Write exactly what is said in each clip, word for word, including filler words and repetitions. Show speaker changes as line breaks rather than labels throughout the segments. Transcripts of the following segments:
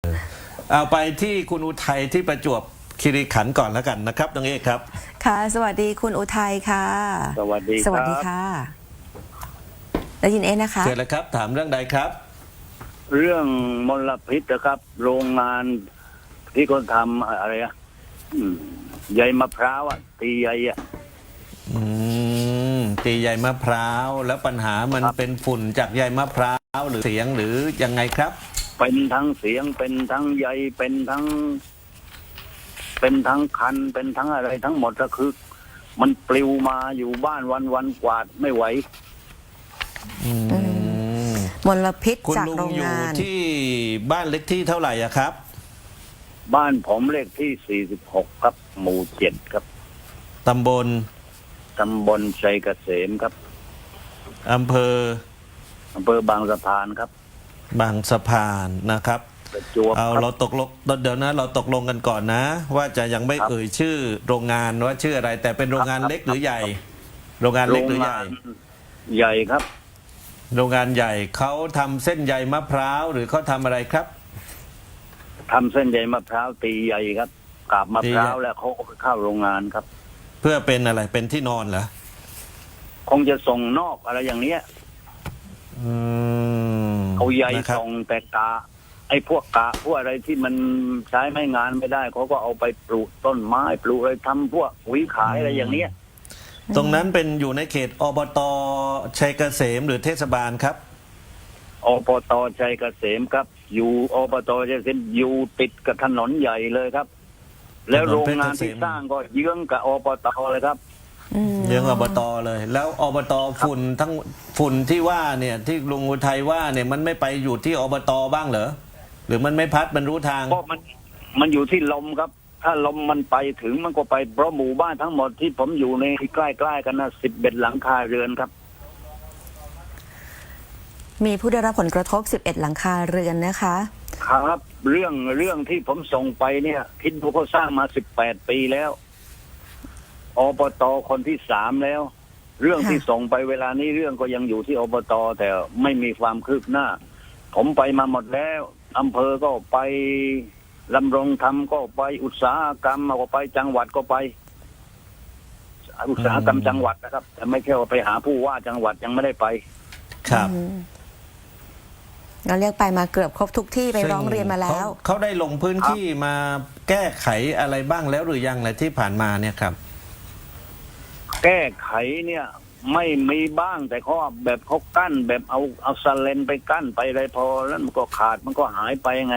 เอาไปที่คุณอุทัยที่ประจวบคีรีขันธ์ก่อนแล้วกันนะครับน้องเอกครับ
ค่ะสวัสดีคุณอุทัยค่ะ
สวัสดีครับ
สวัสดีค่ะได้ยินเอ๊ะนะคะ
เชิญเลยครับถามเรื่องใดครับ
เรื่องมลพิษนะครับ โรงงานที่คนทำอะไรอะอืมใยมะพร้าวอะตีใยอะ
อืมตีใยมะพร้าวแล้วปัญหามัน
ครับ
เป็นฝุ่นจากใยมะพร้าวหรือเสียงหรือยังไงครับ
เป็นทั้งเสียงเป็นทั้งใยเป็นทั้ง เป็นทั้งคัน เป็นทั้งอะไรทั้งหมดก็คือ มันปลิวมาอยู่บ้านวันวันกวาดไม่ไหว
อืม
มลพิษ
คุณ
จาก
ลุง
โรง
อยู่
งาน
ที่บ้านเล็กที่เท่าไหร่อะครับ
บ้านผมเลขที่สี่สิบหกครับ หมู่เจ็ดครับ
ตำบล
ตำบลชัยเกษมครับ
อำเภอ
อำเภอบางสะพานครับ
บางสะพานนะครับ
ประจวบ
เอา
ครับ
เราตกลงเดี๋ยวนะเราตกลงกันก่อนนะ ว่าจะยังไม่
ครับ
เอ่ยชื่อโรงงานว่าชื่ออะไร แต่เป็นโรงงาน
ครับ
เล็กหรือใหญ่ โรงงาน
โร
เล็ก
ง
หรือให
งา
ญ่
นใหญ่ครับ
โรงงานใหญ่เขาทำเส้นใยมะพร้าวหรือเขาทำอะไรครับ
ทำเส้นใยมะพร้าวตีใยครับกาบมะพร้าว
ตีใย
แล้วเขาก็ไปเข้าโรงงานครับ
เพื่อเป็นอะไรเป็นที่นอนเหรอ
คงจะส่งนอกอะไรอย่างเนี้ย
อืม
เอาใย
นะครับ
ส่งแต่กาไอ้พวกกาพวกอะไรที่มันใช้ไม่งานไม่ได้เขาก็เอาไปปลูกต้นไม้ปลูกอะไรทำพวกปุ๋ยขายอะไรอย่างเนี้ย
ตรงนั้นเป็นอยู่ในเขตอบตชัยเกษมหรือเทศบาลครับ
อบตชัยเกษมครับ อยู่อบตชัยเกษมอยู่ติดกับถนนใหญ่เลยครับ แล้วโรงงานที่สร้างก็เยื้องกับอบตเลยครับ
อืม
เรื่องอบตเลย แล้วอบตฝุ่นทั้งฝุ่นที่ว่าเนี่ยที่ลุงอุทัยว่าเนี่ยมันไม่ไปอยู่ที่อบตบ้างเหรอหรือมันไม่พัดมันรู้ทาง
เพราะมันมันอยู่ที่ลมครับ ถ้าลมมันไปถึงมันก็ไปเพราะหมู่บ้านทั้งหมดที่ผมอยู่ในใกล้ๆกันนะสิบเอ็ดหลังคาเรือนครับ
มีผู้ได้รับผลกระทบสิบเอ็ดหลังคาเรือนนะคะ
ครับเรื่องเรื่องที่ผมส่งไปเนี่ยคิดดูเขาสร้างมาสิบแปดปีแล้วอบตคนที่สามแล้ว เรื่อง
ค่ะ
ที่ส่งไปเวลานี้เรื่องก็ยังอยู่ที่อบตแต่ไม่มีความคืบหน้า ผมไปมาหมดแล้วอำเภอก็ไปลำรงธรรมก็ไปอุตสาหกรรมก็ไปจังหวัดก็ไป อุตสาหกรรมจังหวัดนะครับ แต่ไม่ใช่ว่าไปหาผู้ว่าจังหวัดยังไม่ได้ไป
ครับ
อืมเราเรียกไปมาเกือบครบทุกที่ไปร้องเรียนมาแล้ว
เขาเขาได้ลงพื้นที่มาแก้ไขอะไรบ้างแล้วหรือยังอะไรที่ผ่านมาเนี่ยครับ
แก้ไขเนี่ย ไม่มีบ้างแต่เขาแบบเขากั้น แบบเอาเอาสเลนไปกั้นไปอะไรพอแล้วมันก็ขาดมันก็หายไปไง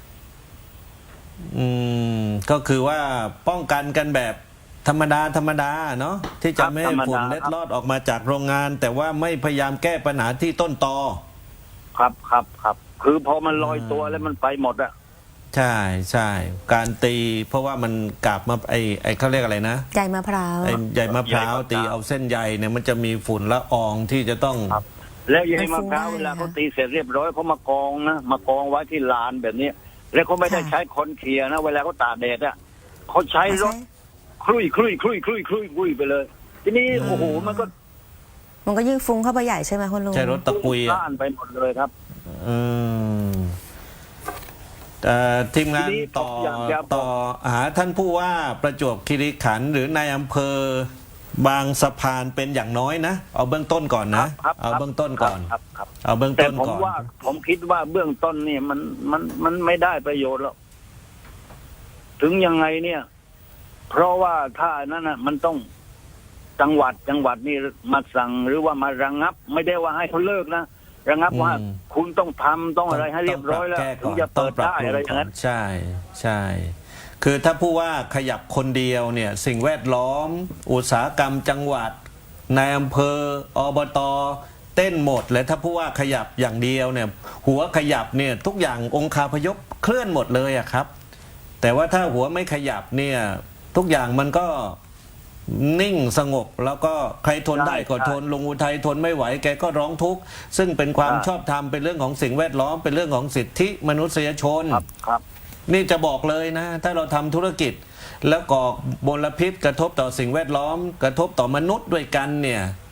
อืมก็คือว่าป้องกันกันแบบธรรมดาธรรมดาเนาะที่จะไม่ให้ฝุ่นเล็ดลอดออกมาจากโรงงาน แต่ว่าไม่พยายามแก้ปัญหาที่ต้นตอ
ครับครับครับคือพอมันลอย
อ่า
ตัวแล้วมันไปหมดอะ
ใช่ใช่การตี เพราะว่ามันกลับมาไอไอเขาเรียกอะไรนะ
ใยมะพร้าว
ไอใยมะพร้าวตีเอาเส้นใยเนี่ยมันจะมีฝุ่นละอองที่จะต้อง
ครับ แล้วยาย
มัน
มะ
ฟุ้ง
พร้าว
ได้
เวลา
นะ
เขาตีเสร็จเรียบร้อยเขามากองนะมากองไว้ที่ลานแบบนี้แล้วเขาไม่ได้
ค่ะ
ใช้คนเคลียร์นะเวลาเขาตากแดดอะเขาใช้รถ
ใช่
คลุยคลุยคลุยคลุยคลุยคลุยไปเลย ทีนี้
อืม
โอ้โหมันก็
มันก็ยิ่งฟุ้งเข้าไปใหญ่ใช่ไหมคุณลุง
ใช้รถตะกุยอ่ะ
ล้านไปหมดเลยครับ
อืมแต่ทีมงาน
ทีนี้
ต่อ
ผมอยากจะบอก
ต่อหาท่านผู้ว่าประจวบคีรีขันธ์หรือนายอำเภอบางสะพานเป็นอย่างน้อยนะ เอาเบื้องต้นก่อนนะ
ครับ
เอาเบื้องต้นก่อน
ครับครับ
เอาเบื้อง
แต่
ต้น
ผม
ก่อน
ว่าผมคิดว่าเบื้องต้นเนี่ยมันมันมันไม่ได้ประโยชน์หรอกถึงยังไงเนี่ย เพราะว่าถ้านั้นน่ะ มันต้องจังหวัดจังหวัดนี่มาสั่งหรือว่ามาระงับ ไม่ได้ว่าให้เขาเลิกนะระงับว่า
อืม
คุณต้องทำต้องอะไรให้เรียบร้อยแล้ว
ต้งป
ถึงจะ
ต้
เปิ
อง
ด
ปรับ
ได้
ปรุง
อะไรอย่าง
ก่
นั้น
ใช่ใช่คือถ้าผู้ว่าขยับคนเดียวเนี่ย สิ่งแวดล้อม อุตสาหกรรมจังหวัดนายอำเภออบตเต้นหมดเลยถ้าผู้ว่าขยับอย่างเดียวเนี่ย หัวขยับเนี่ยทุกอย่างองคาพยพเคลื่อนหมดเลยอะครับ แต่ว่าถ้าหัวไม่ขยับเนี่ยทุกอย่างมันก็นิ่งสงบแล้วก็ใครทนได้ก็ทนลุงอุทัยทนไม่ไหวแกก็ร้องทุกข์ซึ่งเป็นความชอบธรรมเป็นเรื่องของสิ่งแวดล้อมเป็นเรื่องของสิทธิมนุษยชน
ครับครับ
นี่จะบอกเลยนะ ถ้าเราทำธุรกิจ แล้วก่อมลพิษกระทบต่อสิ่งแวดล้อม กระทบต่อมนุษย์ด้วยกันเนี่ย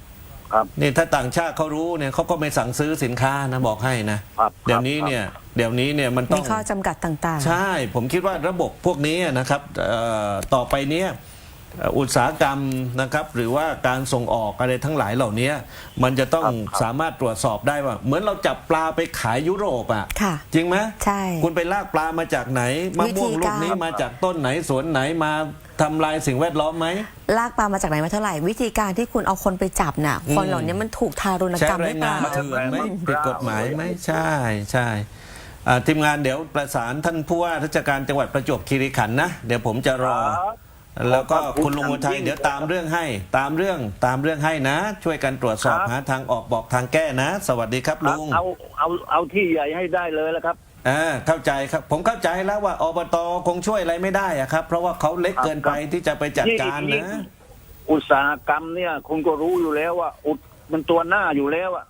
ครับ
นี่ถ้าต่างชาติเขารู้เนี่ยเขาก็ไม่สั่งซื้อสินค้านะบอกให้นะครับ เดี๋ยวนี้เนี่ยเดี๋ยวนี้เนี่ยมันต้
มี
อง
ข้อจำกัดต่างๆ
ใช่ ผมคิดว่าระบบพวกนี้นะครับเอ่อต่อไปเนี้ยเอ่ออุตสาหกรรมนะครับหรือว่าการส่งออกอะไรทั้งหลายเหล่านี้มันจะต้อง
ครับครับ
สามารถตรวจสอบได้ว่า เหมือนเราจับปลาไปขายยุโรปอ่ะ
ค่ะ
จริงไหม
ใช่
คุณไปลากปลามาจากไหนมะม่วง
วิธี
ลู
กาก ร
นี้มาจากต้นไหนสวนไหนมาทำลายสิ่งแวดล้อมไหม
ลากปลามาจากไหนมาเท่าไหร่ วิธีการที่คุณเอาคนไปจับน่ะ คนเหล่านี้มันถูกทารุณ
ใช้
กรรมห
แร
รื
ง
อเป
งา
ล่า
นเถื่อนไหม
อืม
ผิดกฎหมายไหมใช่ใช่อ่าทีมงานเดี๋ยวประสานท่านผู้ว่าราชการจังหวัดประจวบคีรีขันธ์นะเดี๋ยวผมจะรอ
ครับ
แล้วก็
ขอบคุณ
คุณลุงอุทัย
ครับ
เดี๋ยวตามเรื่องให้ตามเรื่องตามเรื่องให้นะ ช่วยกันตรวจสอบ
ครับ
หาทางออกบอกทางแก้นะ สวัสดีครับลุง
เอาเอาเอาที่ใหญ่ให้ได้เลยแล้วครับ
อ่าเข้าใจครับ ผมเข้าใจแล้วว่าอบตคงช่วยอะไรไม่ได้อะครับ เพราะว่าเขาเล็กเกินไปที่จะไปจัดการ
ยิ่ง
นะ
อุตสาหกรรมเนี่ยคุณก็รู้อยู่แล้วว่า อุดมันตัวหน้าอยู่แล้วอะ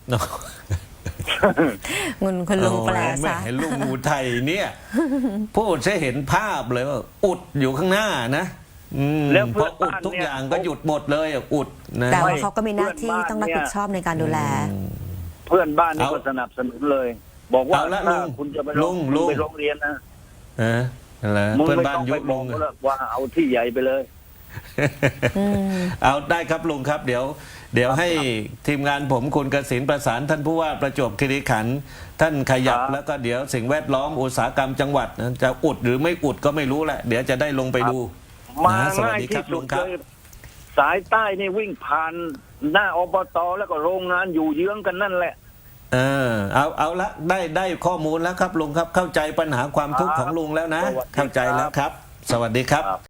เงินคุณลุงแปล
โอ้ยแหม่
ซะ
ลุงอุทัยเนี่ย พูดจะเห็นภาพเลยว่าอุดอยู่ข้างหน้านะอืม
แล้ว
พ
เพื่
อ
อน
อุด
บ้าน
ทุก
เนี่ย
อย่างก็หยุดหมดเลยอะอุดนะ
แต่ว่า
ไม่
เขาก็มีหน้าที่
เพื่อนบ้าน
ต้องรับผิดชอบในการดูแล
เพื่อนบ้านนี่
เอา
ก็สนับสนุนเลย บอกว่า
เอาละ
ถ้า
ลุง
คุณจะไป
ลุง
คุณ
ลุง
ไปโรงเรียนนะ
เอออะไร
มึง
เพื่อน
ไม่
บ้าน
ต้อง
ยุ
ไป
บ
บ
ลุ
อก
ง
เขาหรอกว่าเอาที่ใหญ่ไปเลย
อืม
เอาได้ครับลุงครับ เดี๋ยว เดี๋ยวให้ทีมงานผมคุณกสินประสานท่านผู้ว่าประจวบคีรีขันธ์ท่านขยับ
ครับ
แล้วก็เดี๋ยวสิ่งแวดล้อมอุตสาหกรรมจังหวัดนะจะอุดหรือไม่อุดก็ไม่รู้แหละ เดี๋ยวจะได้ลงไปดู
มา
นะสวัส
ง่าย
ดีครั
ที่
บ
สุ
ลุ
ด
งค
เล
รับ
ยสายใต้นี่วิ่งผ่านหน้าอบตแล้วก็โรงงานอยู่เยื้องกันนั่นแหละ
เออเอาเอาละได้ได้ข้อมูลแล้วครับลุงครับเข้าใจปัญหาความทุกข์ของลุงแล้วนะ
สวัสดีครับ
เข้าใจแล้วครับ สวัสดีครับ